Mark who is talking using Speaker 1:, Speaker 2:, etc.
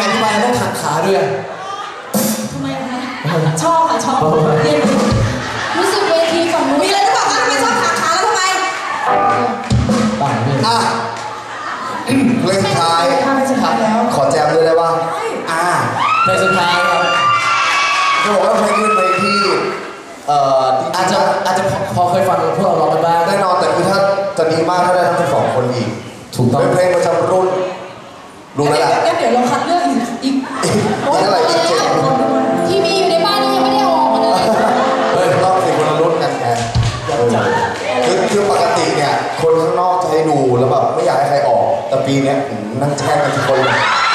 Speaker 1: ทำไมต้องขัดขาด้วย
Speaker 2: ทำไมคะชอบค่ะชอบเรียนรู้สึกเวทีฝั่งนู้นมีอะไรจะบอกคะทำไมชอบขัดขาแล้วทำไม
Speaker 1: ต่างนี่
Speaker 3: เพลงสุดท้าย
Speaker 1: แล้ว
Speaker 3: ขอแจมด้วยได้ป่ะ
Speaker 1: เพลงสุดท้ายครับ
Speaker 3: จะบอกว่าเพลงนี้เป็นเพลงที่
Speaker 1: อาจจะพอเคยฟังพวกเราร้องกันบ้าง
Speaker 3: แน่นอนแต่คือถ้าจะดีมากถ้าได้ทั้ง2 คนอีก
Speaker 1: ถูกต้อง
Speaker 3: เป็นเพลงประจำรุ่นรู้แล้วแหละ
Speaker 2: งั้นเดี๋ยวเราคัดเลือกอีก
Speaker 3: อะไรอีก
Speaker 2: ที่มีอยู่ในบ้านนี่ยังไม่ได้ออกมาเลย
Speaker 3: ต้องเป็นคนละรุ่นกันไงคือปกติเนี่ยคนข้างนอกจะให้ดูแล้วแบบไม่อยากให้ใครออกแต่ปีนี้นั่งแช่งกันทุกคนเลย